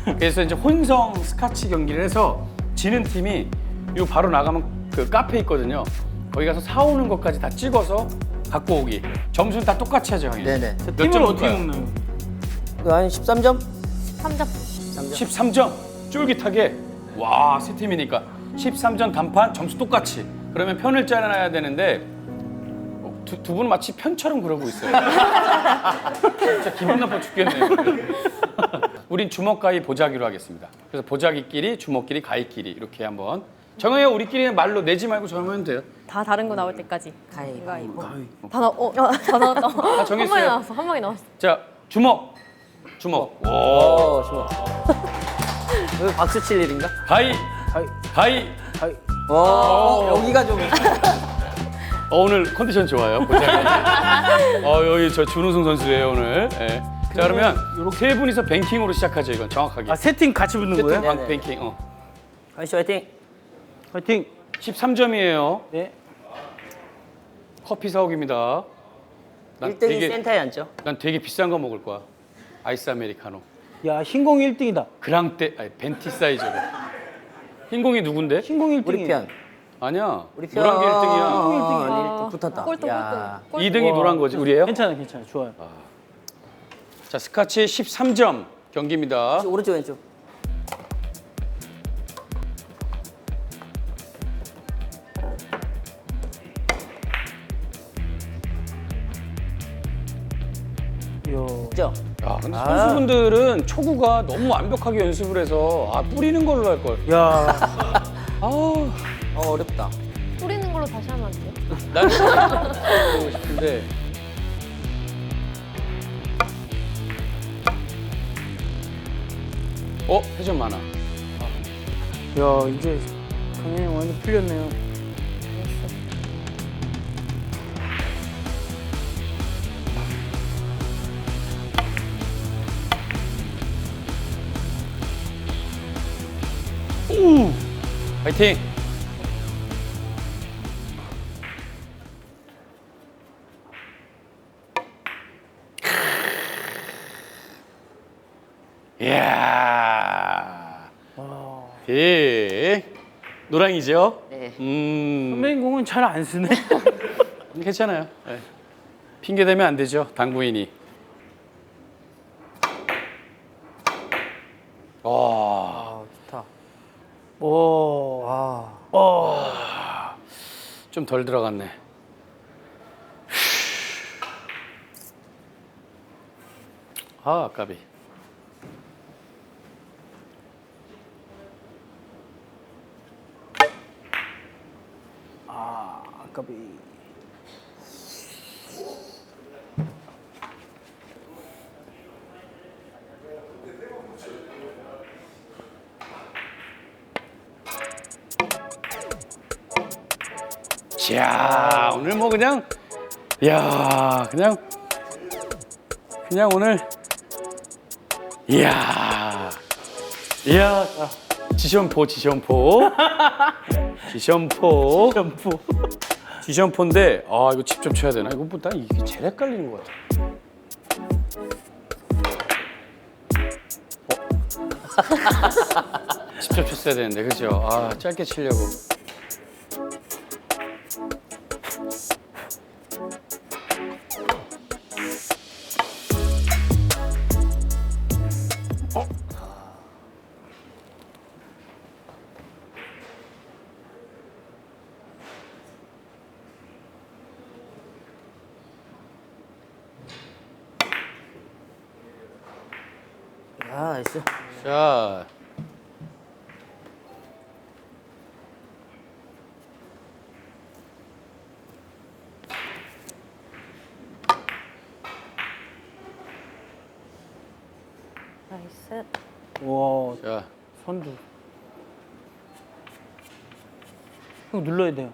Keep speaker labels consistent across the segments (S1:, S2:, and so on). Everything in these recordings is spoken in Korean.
S1: 그래서 이제 혼성 스카치 경기를 해서 지는 팀이 요 바로 나가면 그 카페 있거든요. 거기 가서 사오는 것까지 다 찍어서 갖고 오기. 점수는 다 똑같이 하죠, 형님.
S2: 네네.
S1: 몇
S3: 팀을
S1: 점
S3: 어떻게
S1: 먹을까요?
S3: 먹나요?
S2: 한 13점?
S4: 3점.
S1: 13점. 쫄깃하게. 와, 세 팀이니까 13점 단판 점수 똑같이. 그러면 편을 짜놔야 되는데 두 분은 마치 편처럼 그러고 있어요. 진짜 기분 나빠 죽겠네요. 우린 주먹 가위 보자기로 하겠습니다. 그래서 보자기끼리 주먹끼리 가위끼리 이렇게 한번 정해요. 우리끼리는 말로 내지 말고 정하면 돼요.
S4: 다 다른 거 나올 때까지.
S2: 가위바위보.
S4: 다 나왔다.
S1: 다 정했어요.
S4: 한 방에 나왔어. 한 방에 나왔어.
S1: 자, 주먹. 주먹. 오.
S2: 좋아. 여기 박수 칠 일인가?
S1: 가위.
S3: 가위.
S1: 가위.
S3: 가위.
S2: 여기가 좀.
S1: 오늘 컨디션 좋아요. 보자기. 여기 저 준우승 선수예요, 오늘. 예. 자, 그러면 세 분이서 뱅킹으로 시작하죠, 이건 정확하게.
S3: 아, 세 팀 같이 붙는 거예요?
S2: 네네.
S1: 뱅킹.
S2: 가위씨 화이팅.
S3: 화이팅.
S1: 13점이에요.
S3: 네.
S1: 커피 사오기입니다.
S2: 1등이 센터에 앉죠.
S1: 난 되게 비싼 거 먹을 거야. 아이스 아메리카노.
S3: 야, 흰공 1등이다.
S1: 그랑떼, 아니 벤티 사이즈로. 흰공이 누군데?
S3: 흰공 1등이.
S2: 우리 편.
S1: 아니야.
S2: 우리 편.
S1: 노란 게 1등이야.
S2: 아, 1등 붙었다.
S4: 꼴등
S2: 야.
S4: 꼴등.
S1: 2등이 노란 거지, 우리예요?
S3: 괜찮아. 좋아요.
S1: 자, 스카치 13점 경기입니다.
S2: 오른쪽 왼쪽.
S3: 이야.
S2: 그죠?
S1: 근데 선수분들은 초구가 너무 완벽하게 연습을 해서 뿌리는 걸로 할 걸.
S3: 야.
S2: 어렵다.
S4: 뿌리는 걸로 다시 하면 안 돼요?
S1: 나는 그러고 싶은데. 회전 많아.
S3: 야, 이제 강현이 완전 풀렸네요.
S1: 파이팅! 이야. 노랑이죠?
S2: 네.
S3: 선배님 공은 잘 안 쓰네.
S1: 괜찮아요. 네. 핑계 대면 안 되죠, 당구인이.
S2: 좋다.
S3: 오.
S1: 좀 덜 들어갔네. 아깝이.
S3: 아깝이.
S1: 이야, 오늘 뭐 그냥, 그냥 오늘, 이야, 지션포. 지션포인데, 이거 직접 쳐야 되나? 이거 뭐, 난 이게 제일 헷갈리는 것 같아. 직접 쳤어야 되는데, 그죠? 짧게 치려고.
S2: 나이스.
S1: 자.
S4: 나이스.
S3: 와,
S1: 자.
S3: 선두. 형 눌러야 돼요.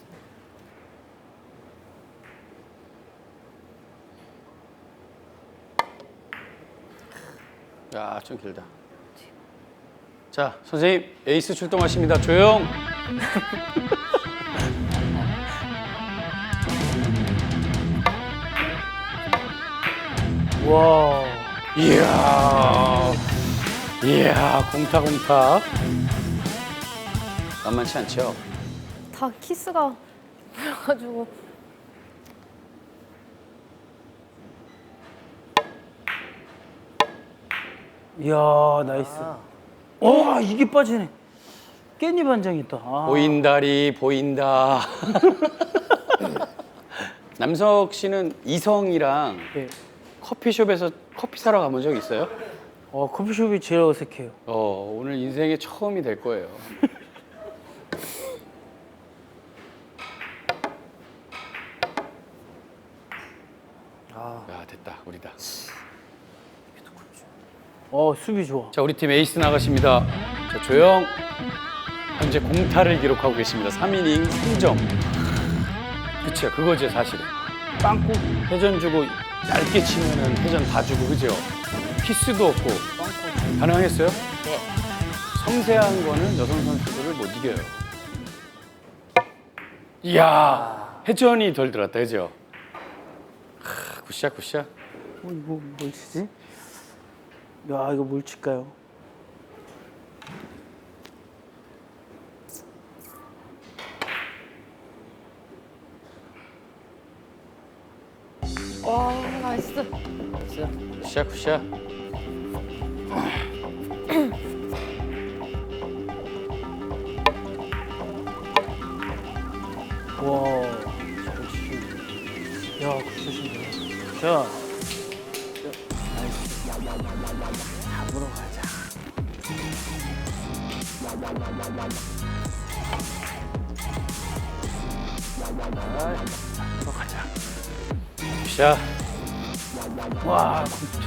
S1: 야, 좀 길다. 자, 선생님, 에이스 출동하십니다. 조용.
S3: 와.
S1: 이야. 이야, 공타. 만만치 않죠?
S4: 다 키스가 보여가지고.
S3: 이야, 나이스. 와, 이게 빠지네. 깻잎 한 장 있다. 아.
S1: 보인다리 보인다. 남석 씨는 이성이랑
S3: 예.
S1: 커피숍에서 커피 사러 가본 적 있어요?
S3: 커피숍이 제일 어색해요.
S1: 오늘 인생의 처음이 될 거예요. 야, 됐다. 우리다.
S3: 수비 좋아.
S1: 자, 우리 팀 에이스 나가십니다. 자, 조영. 현재 공타를 기록하고 계십니다. 3이닝 3점. 그쵸, 그거죠, 사실은. 빵꾸 회전 주고 얇게 치면은 회전 다 주고, 그죠? 키스도 없고. 가능했어요?
S2: 네.
S1: 섬세한 거는 여성 선수들을 못 이겨요. 이야, 회전이 덜 들었다, 그죠? 굿샷.
S3: 이거 뭘 치지? 야, 이거 뭘 칠까요?
S4: 와, 나이스.
S1: 굿샷.
S3: 와, 잘 치시네. 야, 굿샷인데. 자, 나이스. 잡으러 가자. 잡으러 가자.
S1: 굿샷.
S3: 와, 굿.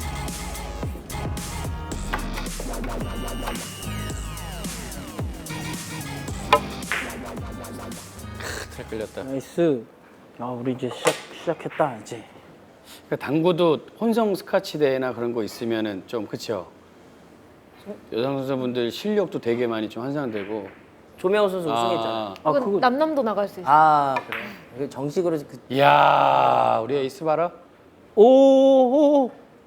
S1: 잘 끌렸다.
S3: 나이스. 야, 우리 이제 시작했다, 이제.
S1: 그러니까 당구도 혼성 스카치 대회나 그런 거 있으면은 좀 그쵸? 여성 선수분들 실력도 되게 많이 좀 환상되고.
S2: 조명호 선수 우승했잖아.
S3: 아,
S4: 그건 남남도 나갈 수 있어.
S2: 그래. 이게 정식으로
S1: 이야, 우리 에이스 봐라.
S3: 오.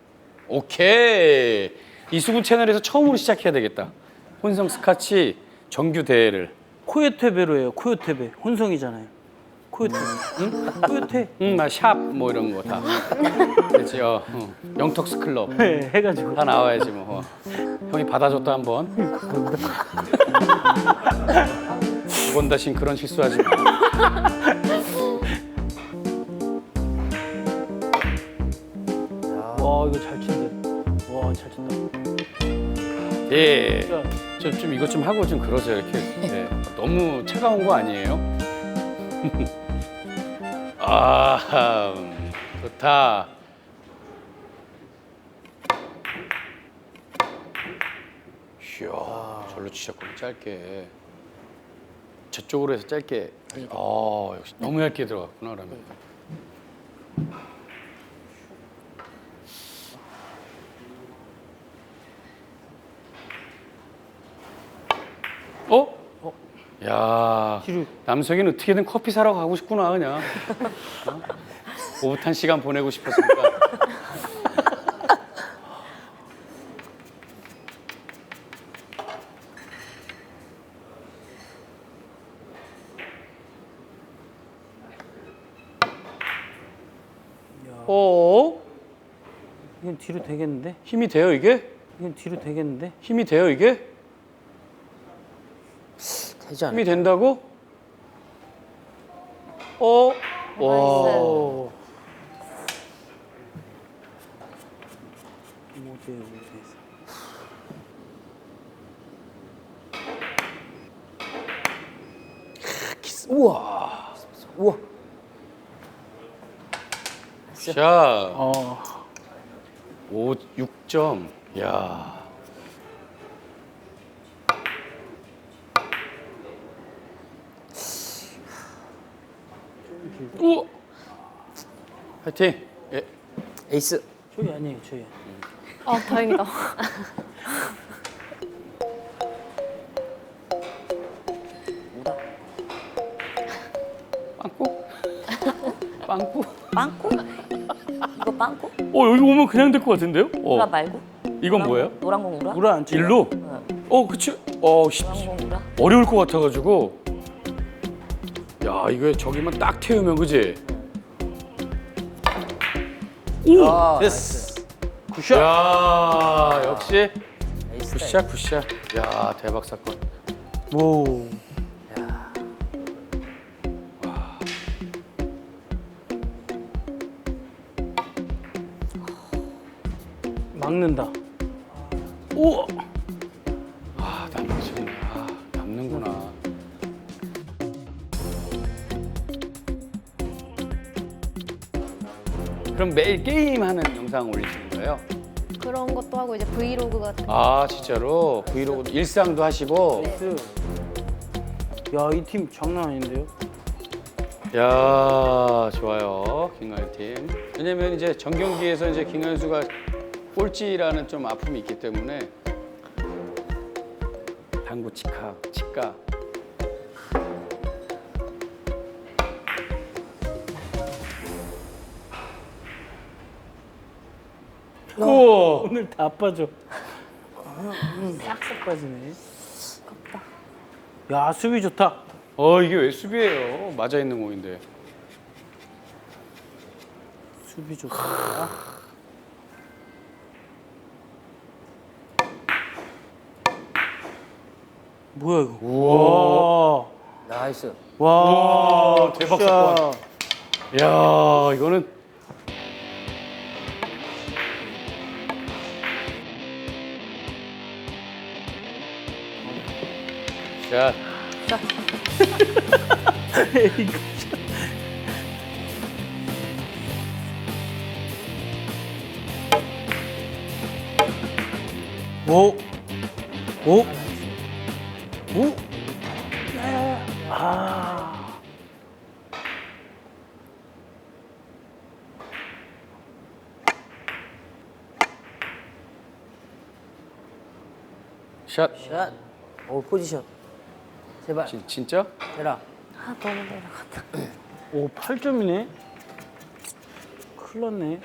S1: 오케이. 이수근 채널에서 처음으로 시작해야 되겠다. 혼성 스카치 정규 대회를.
S3: 코요테베로예요. 코요테베. 혼성이잖아요. 코요테. 응? 코요테.
S1: 샵 뭐 이런 거 다. 그렇지. 영턱스 클럽
S3: 네, 해가지고.
S1: 다 나와야지 뭐. 형이 받아줬다 한번. 두번 다신 그런 실수하지 마.
S3: 와, 이거 잘 친대. 와, 잘 친다.
S1: 예.
S3: 자,
S1: 좀 이것 좀 하고 좀 그러세요 이렇게. 네. 너무 차가운 거 아니에요? 아, 좋다. 이야, 절로 치셨군요, 짧게. 저쪽으로 해서 짧게. 역시 너무 얇게 들어갔구나, 그러면. 야,
S3: 뒤로.
S1: 남석이는 어떻게든 커피 사러 가고 싶구나, 그냥. 오붓한 시간 보내고 싶었으니까.
S3: 이건 뒤로 되겠는데?
S1: 힘이 돼요, 이게?
S3: 이건 뒤로 되겠는데?
S1: 힘이 돼요, 이게?
S2: 되지 않아?
S1: 힘이 된다고? 와.
S3: 오. 못해.
S1: 우와.
S2: 우와.
S1: 샷. 6점. 야. 우와. 화이팅. 예.
S2: 에이스.
S3: 저희 아니에요, 저희.
S4: 아, 다행이다.
S1: 빵꾸? 빵꾸?
S5: 빵꾸? 이거 빵꾸?
S1: 여기 오면 그냥 될 것 같은데요?
S5: 누가 말고?
S1: 이건 뭐예요?
S5: 노란 공 우라?
S3: 우라 안 쳐.
S1: 일로? 그치.
S5: 노란 공 우라?
S1: 어려울 것 같아가지고. 야, 이거 저기만 딱 태우면 그지?
S2: 아,
S3: 됐어. 굿샷.
S1: 야, 역시
S2: 나이스.
S1: 굿샷 굿샷. 야, 대박 사건.
S3: 오. 막는다.
S1: 오. 남지. 남는구나. 그럼 매일 게임하는 영상 올리시는 거예요?
S4: 그런 것도 하고 이제 브이로그 같은 거.
S1: 아, 진짜로? 브이로그 일상도 하시고?
S3: 야, 이 팀 장난 아닌데요?
S1: 야, 좋아요. 김가연 팀. 왜냐면 이제 정경기에서 이제 김가연수가 꼴찌라는 좀 아픔이 있기 때문에 당구 치과. 우와.
S3: 오늘 다 빠져. 싹싹 빠지네. 야, 수비 좋다.
S1: 이게 왜 수비예요? 맞아 있는 공인데.
S3: 수비 좋다. 뭐야 이거? 우와.
S2: 나이스.
S3: 와,
S1: 대박
S3: 굿샷.
S1: 사건. 야, 이거는 자,
S3: 오, 오, 오. 아,
S1: 샷.
S2: 샷. 오, 포지션. 제발.
S1: 진짜?
S2: 해라.
S5: 아 너무 내려갔다.
S3: 오, 8점이네. 큰일 났네.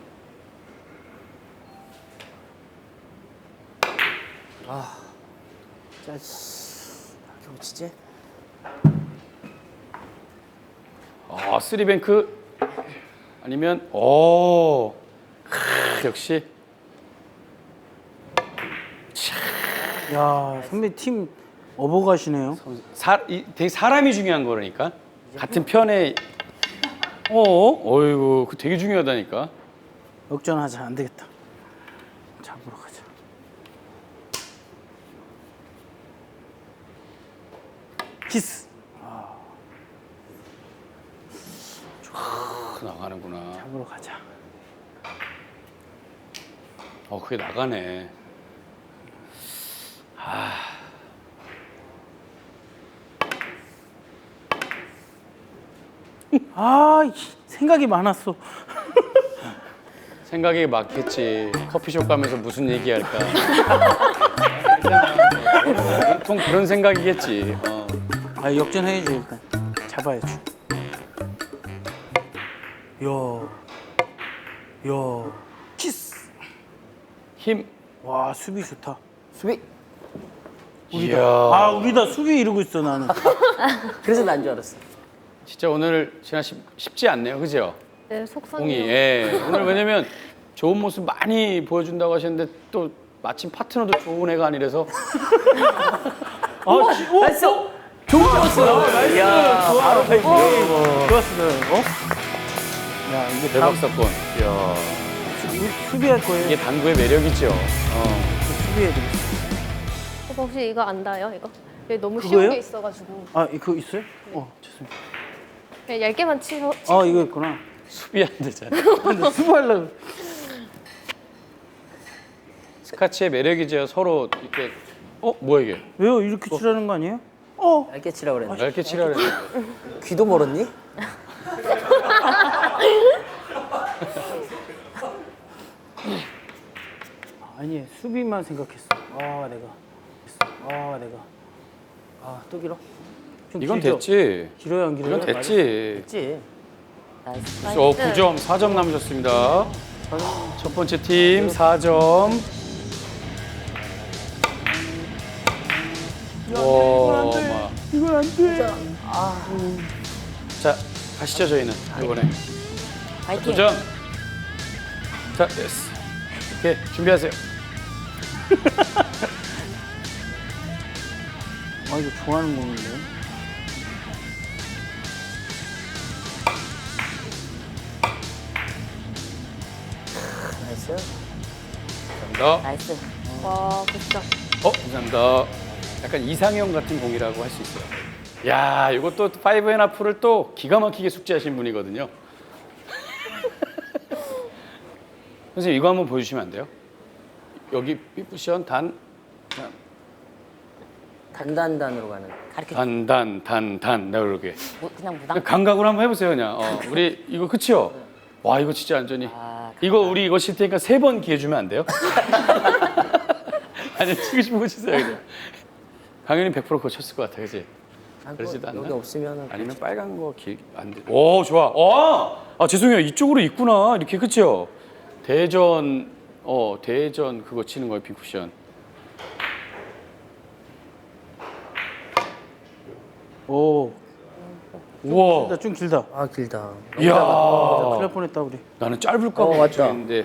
S2: 자, 이렇게 붙이지?
S1: 쓰리뱅크 아니면 역시
S3: 야, 선배 팀 업어가시네요.
S1: 되게 사람이 중요한 거라니까. 같은 편에 어이구, 그 되게 중요하다니까.
S3: 역전하자. 안 되겠다. 잡으러 가자. 키스.
S1: 나가는구나.
S3: 잡으러 가자.
S1: 그게 나가네.
S3: 아, 생각이 많았어.
S1: 생각이 맞겠지. 커피숍 가면서 무슨 얘기할까. 보통 그런 생각이겠지.
S3: 아, 역전해야지 일단. 잡아야지. 야, 키스.
S1: 힘.
S3: 와, 수비 좋다.
S2: 수비.
S1: 이야.
S3: 아, 우리다 수비 이러고 있어 나는.
S2: 그래서 난 줄 알았어.
S1: 진짜 오늘 진아 씨 쉽지 않네요, 그죠?
S4: 네,
S1: 공이.
S4: 속상해요.
S1: 예. 오늘 왜냐면 좋은 모습 많이 보여준다고 하셨는데 또 마침 파트너도 좋은 애가 아니라서.
S2: 나이스. 좋은 코스.
S3: 야, 바로 페이크. 좋았어. 야, 이게
S1: 대박
S3: 다
S1: 사건. 이야.
S3: 수비할 거예요.
S1: 이게 당구의 매력이죠.
S3: 수비해야 되겠어.
S4: 오빠 혹시 이거 안 닿아요? 이거? 여기 너무 쉬운
S3: 그거예요?
S4: 게 있어가지고
S3: 아, 이거 있어요? 죄송해요.
S4: 그냥 얇게만 치고.
S3: 아, 이거 있구나.
S1: 수비 안 되잖아.
S3: 근데 수비하려고.
S1: 스카치의 매력이죠. 서로 이렇게. 뭐야 이게?
S3: 왜요? 이렇게 치라는 거 아니에요?
S2: 얇게 치라고 그랬는데.
S1: 얇게 치라 그랬는데.
S2: 귀도 멀었니?
S3: 아니, 수비만 생각했어.
S2: 또 길어?
S3: 좀
S1: 이건
S3: 길죠?
S1: 됐지.
S3: 길어요, 안 길어요?
S1: 이건 됐지.
S2: 됐지.
S5: 나이스.
S1: 9점, 4점 남으셨습니다. 첫 번째 팀 4점. 와,
S3: 이건 안 돼.
S1: 자, 가시죠 저희는 이번에
S5: 파이팅.
S1: 도전. 자, 됐어. 오케이, 준비하세요.
S3: 아, 이거 좋아하는 건데.
S2: 나이스.
S1: 감사합니다.
S5: 나이스.
S4: 와, 굿샷.
S1: 감사합니다. 약간 이상형 같은 공이라고 할 수 있어요. 야, 이것도 5&하프를 또 기가 막히게 숙지하신 분이거든요. 선생님 이거 한번 보여주시면 안 돼요? 여기 삐뿌션
S2: 단단단으로 가는.
S5: 가르쳐.
S1: 나 그러게.
S5: 그냥 무당.
S1: 감각으로 한번 해보세요 그냥. 우리 이거 그치요? 와 이거 진짜 완전히. 이거 우리 이거 칠 테니까 3번 기회 주면 안 돼요? 아니 치고 싶은 거 치세요 그냥. 강현이 100% 그거 쳤을 것 같아, 그지? 그러지도 않나?
S2: 여기 없으면은.
S1: 아니면 빨간 거 안 돼. 오 좋아. 죄송해요 이쪽으로 있구나 이렇게 그치요? 대전 그거 치는 거예요 빈쿠션.
S3: 오,
S1: 우와.
S3: 좀 길다.
S2: 아, 길다.
S1: 이야.
S3: 큰일 날 뻔했다 우리.
S1: 나는 짧을까 봐
S2: 맞다.
S1: 걱정했는데.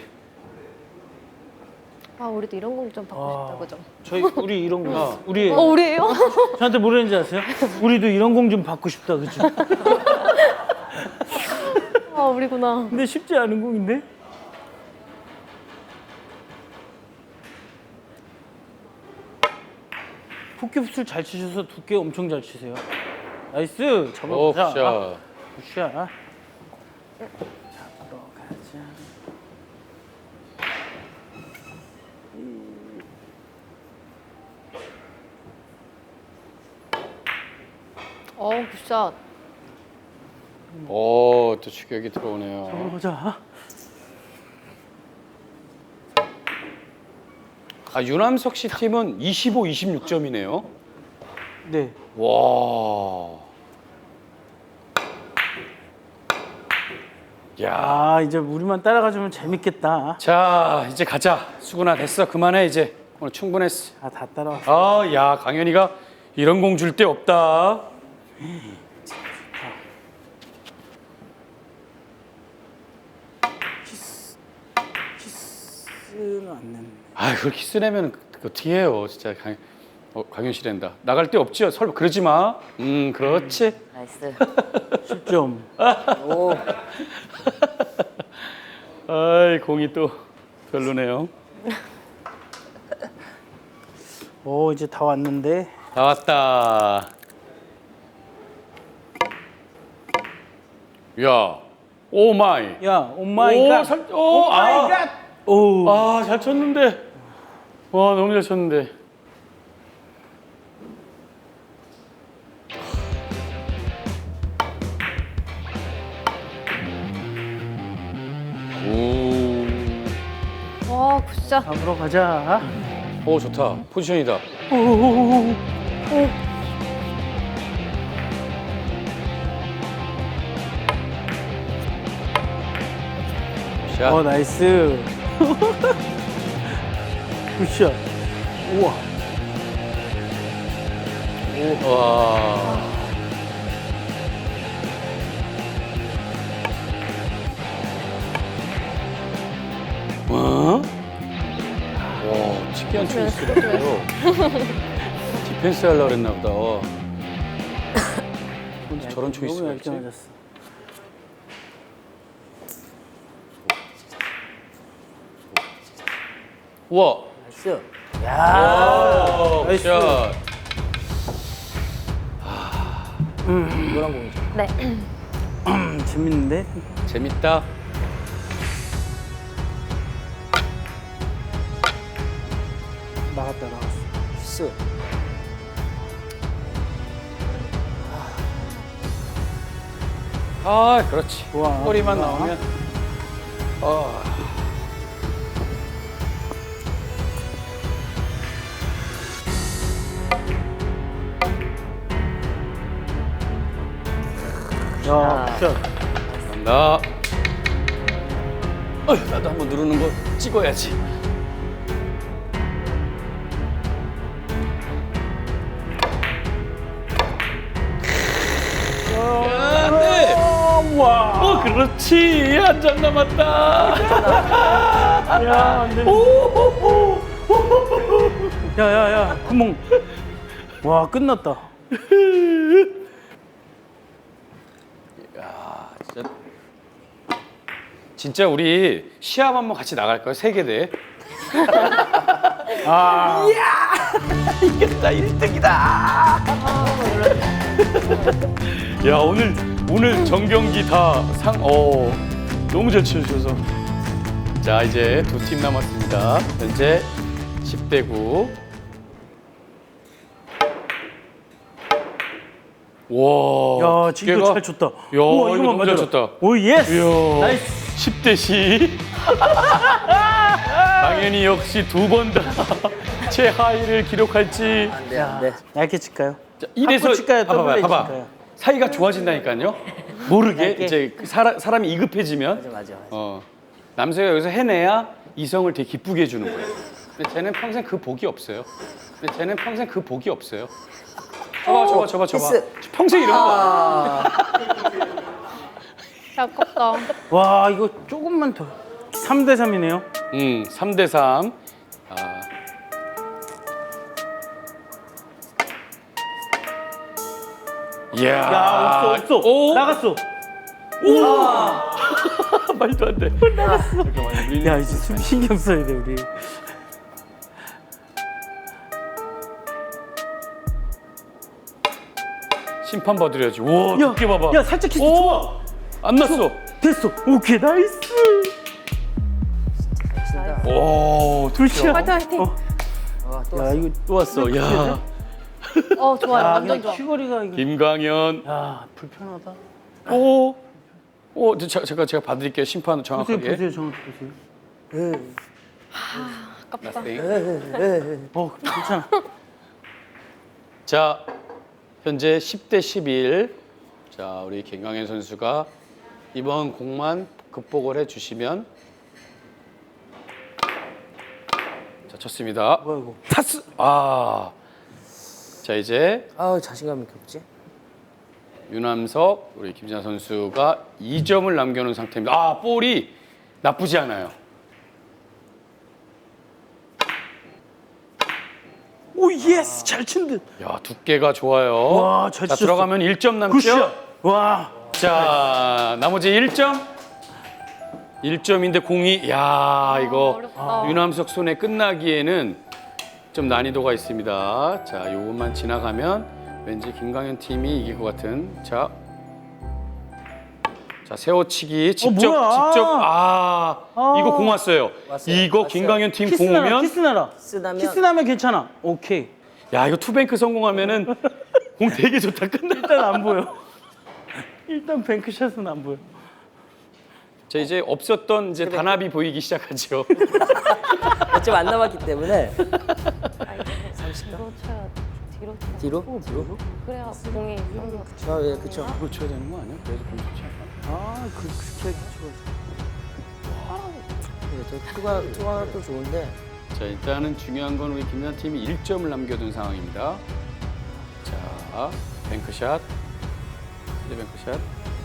S4: 아, 우리도 이런 공 좀 받고 싶다, 그죠?
S3: 우리 이런 거. 우리
S4: 우리예요?
S3: 저한테 뭐라는지 아세요? 우리도 이런 공 좀 받고 싶다, 그죠?
S4: 아, 우리구나.
S3: 근데 쉽지 않은 공인데? 포켓풋을 잘 치셔서 두께 엄청 잘 치세요. 나이스! 잡아보자.
S1: 굿샷.
S3: 굿샷. 잡으러 가자.
S4: 굿샷.
S1: 또 추격이 들어오네요.
S3: 잡으러 가자.
S1: 유남석 씨 팀은 25, 26점이네요.
S3: 네.
S1: 와. 야.
S3: 아, 이제 우리만 따라가주면 재밌겠다.
S1: 자, 이제 가자. 수근아 됐어. 그만해 이제. 오늘 충분했어.
S3: 아, 다 따라왔어.
S1: 야, 강현이가 이런 공 줄 데 없다.
S3: 키스는 안 냈네.
S1: 그걸 키스 내면 어떻게 해요, 진짜. 강현 씨 된다. 나갈 데 없지요? 설마 그러지 마. 그렇지.
S5: 나이스.
S3: 10점.
S2: 오,
S1: 공이 또 별로네요.
S3: 오, 이제 다 왔는데.
S1: 다 왔다. 야, 오 마이.
S3: 야, 오 마이 갓.
S1: 오 마이 갓.
S3: 오.
S1: 잘 쳤는데. 와, 너무 잘 쳤는데.
S4: 와, 굿샷.
S3: 잡으러 가자.
S1: 오, 좋다. 포지션이다.
S3: 오.
S1: 샷.
S3: 나이스. 굿샷. 우와.
S1: 와. 와, 특이한 초이스라고요. 디펜스 하려고 그랬나 보다. 저런 초이스가
S3: 너무
S1: 있지?
S3: 얇게 맞았어.
S1: 우와.
S2: 나이스.
S3: 나이스.
S1: 샷.
S2: 노란 공이죠.
S4: 네.
S3: 재밌는데?
S1: 재밌다.
S3: 나갔다.
S2: 키스.
S1: 그렇지.
S3: 좋아.
S1: 꼬리만
S3: 좋아.
S1: 나오면.
S3: 야, 굿샷.
S1: 간다. 나도 한번 누르는 거 찍어야지. 그렇지. 한 점 남았다.
S3: 야, 안 돼. 야, 야, 야, 구멍. 와, 끝났다.
S1: 진짜 우리 시합 한번 같이 나갈까요? 세계대회?
S3: 아,
S1: 이겼다 1등이다. 야 오늘 전경기 다 너무 잘 치셔서. 자 이제 두 팀 남았습니다. 현재 10대 9. 와.
S3: 야, 지금 잘 쳤다.
S1: 야 이거 너무 잘 쳤다.
S3: 오, 예스.
S1: 이야.
S3: 나이스.
S1: 10대 10. 당연히 역시 두 번 다 최하위를 기록할지.
S2: 안 돼, 안 돼.
S3: 얇게 칠까요?
S1: 자, 이래서
S3: 칠까요?
S1: 봐봐.
S3: 칠까요?
S1: 사이가 좋아진다니까요. 모르게
S3: 얇게.
S1: 이제 그 사람이 이급해지면
S2: 맞아.
S1: 남자가 여기서 해내야 이성을 되게 기쁘게 해주는 거예요. 근데 쟤는 평생 그 복이 없어요. 저봐.
S2: 키스.
S1: 평생 이런 거.
S4: 아깝다.
S3: 와, 이거 조금만 더. 3대 3이네요.
S1: 3대 3. 이야.
S3: 야, 없어.
S1: 오.
S3: 나갔어.
S1: 말도 안 돼. 잠깐만. 우리
S3: 야, 이제 숨 신경 써야 돼, 우리.
S1: 심판 봐드려야지. 와,
S3: 야,
S1: 두께 봐봐.
S3: 야, 살짝 키스
S1: 오!
S3: 좋아.
S1: 안 났어.
S3: 됐어. 오케이, 나이스.
S2: 친다.
S1: 오,
S3: 둘치야.
S4: 화이팅.
S2: 또
S3: 야,
S2: 왔어.
S3: 이거
S1: 또 왔어. 야.
S4: 좋아요.
S3: 야,
S4: 완전
S3: 그냥
S4: 좋아.
S3: 큐거리가 이거.
S1: 김광현.
S3: 야, 불편하다.
S1: 제가 봐드릴게요. 심판 정확하게.
S3: 보세요, 정확히 보세요.
S4: 아깝다.
S3: 괜찮아.
S1: 자, 현재 10대 11. 자, 우리 김광현 선수가 이번 공만 극복을 해주시면. 자, 쳤습니다.
S3: 뭐야, 이거.
S1: 타스. 자, 이제
S2: 아우, 자신감 이렇게 없지?
S1: 유남석, 우리 김진아 선수가 2점을 남겨놓은 상태입니다. 볼이 나쁘지 않아요.
S3: 오, 예스. 잘 친 듯.
S1: 야, 두께가 좋아요.
S3: 와, 잘
S1: 자,
S3: 치셨어.
S1: 들어가면 1점 남죠?
S3: 굿샷. 와.
S1: 자, 나머지 1점. 1점인데 공이 이거
S4: 어렵다.
S1: 유남석 손에 끝나기에는 좀 난이도가 있습니다. 자, 요것만 지나가면 왠지 김광현 팀이 이길 것 같은. 자, 세워치기 직접
S3: 뭐야?
S1: 이거 공 왔어요.
S2: 왔어요.
S1: 이거
S2: 왔어요.
S1: 김광현 팀 공 오면
S3: 키스나라.
S2: 쓰다면
S3: 키스나면 괜찮아. 오케이.
S1: 야, 이거 투뱅크 성공하면은 공 되게 좋다. 끝나.
S3: 일단 안 보여. 일단 뱅크샷은 안 보여.
S1: 자, 이제 없었던 이제 단합이 보이기 시작하죠.
S2: 몇점 안 남았기 때문에
S4: 뒤로 쳐야 뒤로 쳐.
S2: 뒤로?
S4: 그래야 공이
S2: 예, 그쵸.
S1: 이걸 쳐야 되는 거 아니야? 그래서 공 좋지 않아?
S3: 그렇게 해주죠.
S2: 투가 또 좋은데.
S1: 자, 일단은 중요한 건 우리 김연 팀이 1점을 남겨둔 상황입니다. 자, 뱅크샷, 스리뱅크샷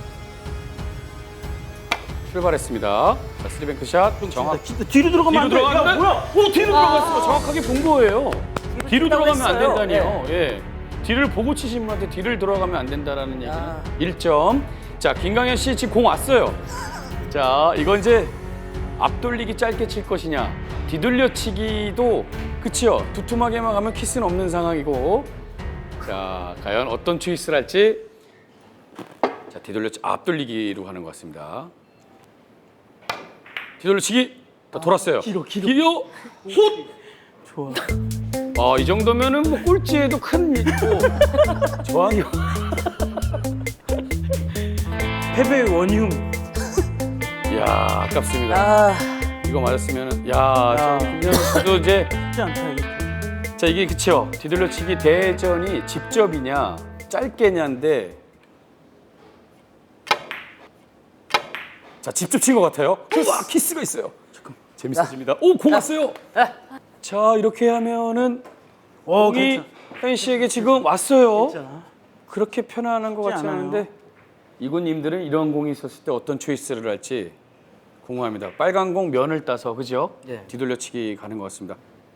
S1: 출발했습니다. 자, 스리뱅크샷 정확.
S3: 뒤로 들어가면
S1: 뒤로
S3: 안 돼.
S1: 들어가면
S3: 야, 뭐야?
S1: 뒤로 들어갔어. 정확하게 본 거예요. 뒤로 들어가면 안
S2: 했어요.
S1: 된다니요. 예. 뒤를 보고 치신 분한테 뒤를 들어가면 안 된다라는 얘기는
S2: 야.
S1: 1점. 자, 김광현 씨 지금 공 왔어요. 자, 이건 이제 앞돌리기 짧게 칠 것이냐, 뒤돌려치기도 그치요. 두툼하게만 가면 키스는 없는 상황이고. 자, 과연 어떤 초이스를 할지. 자, 앞돌리기로 가는 것 같습니다. 뒤돌려치기 돌았어요.
S3: 길어.
S1: 훗.
S3: 좋아.
S1: 이 정도면은 뭐 꼴찌에도 큰 저항이.
S3: 패배의 원흉.
S1: 이야, 아깝습니다.
S2: 아,
S1: 이거 맞았으면은 김현 씨도 이제.
S3: 쉽지 않다 이게.
S1: 자, 이게 그쵸. 뒤돌려치기 대전이 직접이냐 짧게냐인데, 자, 직접 친 것 같아요. 우와, 키스가 있어요. 잠깐 재밌어집니다. 오, 공 왔어요. 자, 이렇게 하면은 공이 현 씨에게 지금 왔어요.
S3: 괜찮아.
S1: 그렇게 편안한 것 같지
S3: 않아요.
S1: 않은데. 이군님들은 이런 공이 있었을 때 어떤 초이스를 할지 궁금합니다. 빨간 공 면을 따서 그죠?
S2: 네.
S1: 뒤돌려치기 가는 것 같습니다.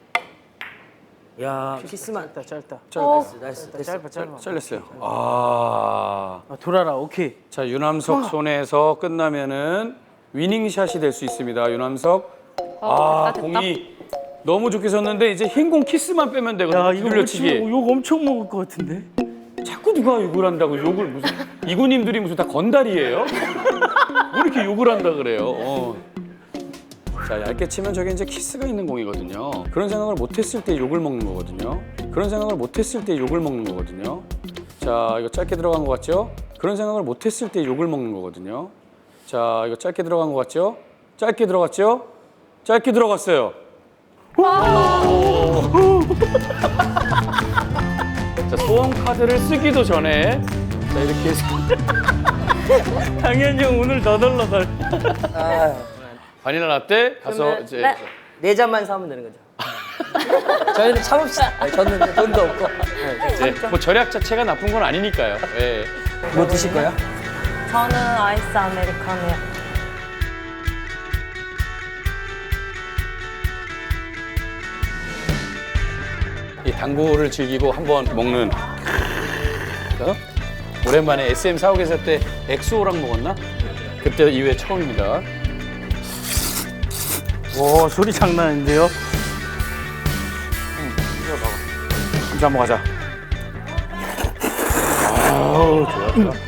S2: 야 키스만.
S3: 짧다.
S2: 나이스.
S3: 짧아 짧아.
S1: 잘렸어요. 아,
S3: 돌아라. 오케이.
S1: 자 윤함석 손에서 끝나면은 위닝샷이 될 수 있습니다. 윤함석.
S4: 됐다, 됐다.
S1: 공이 너무 좋게 섰는데 이제 흰 공 키스만 빼면 되거든요.
S3: 야 이거
S1: 뒤돌려치기.
S3: 욕 엄청 먹을 것 같은데.
S1: 자꾸 누가 욕을 한다고 욕을 무슨 이구님들이 무슨 다 건달이에요? 왜 이렇게 욕을 한다 그래요? 자 얇게 치면 저게 이제 키스가 있는 공이거든요. 그런 생각을 못했을 때 욕을 먹는 거거든요. 그런 생각을 못했을 때 욕을 먹는 거거든요. 자 이거 짧게 들어간 것 같죠? 그런 생각을 못했을 때 욕을 먹는 거거든요. 자 이거 짧게 들어간 것 같죠? 짧게 들어갔죠? 짧게 들어갔어요. 자 소원 카드를 쓰기도 전에 자 이렇게 해서
S3: 당연히 형 오늘 너덜너덜.
S2: 아,
S1: 바닐라 라떼 가서
S2: 그러면
S1: 이제
S4: 네.
S2: 네 잔만 사면 되는 거죠. 저희는 참읍시다. 아니, 저는 돈도 없고. 네.
S1: 뭐 절약 자체가 나쁜 건 아니니까요. 예.
S2: 뭐 드실 거예요?
S5: 저는 아이스 아메리카노요.
S1: 이 당구를 즐기고 한번 먹는 오랜만에 SM 사옥 에서 때 엑소랑 먹었나? 그때 이후에 처음입니다.
S3: 오 소리 장난 아닌데요?
S1: 한잔 한번 가자. 아우 좋아.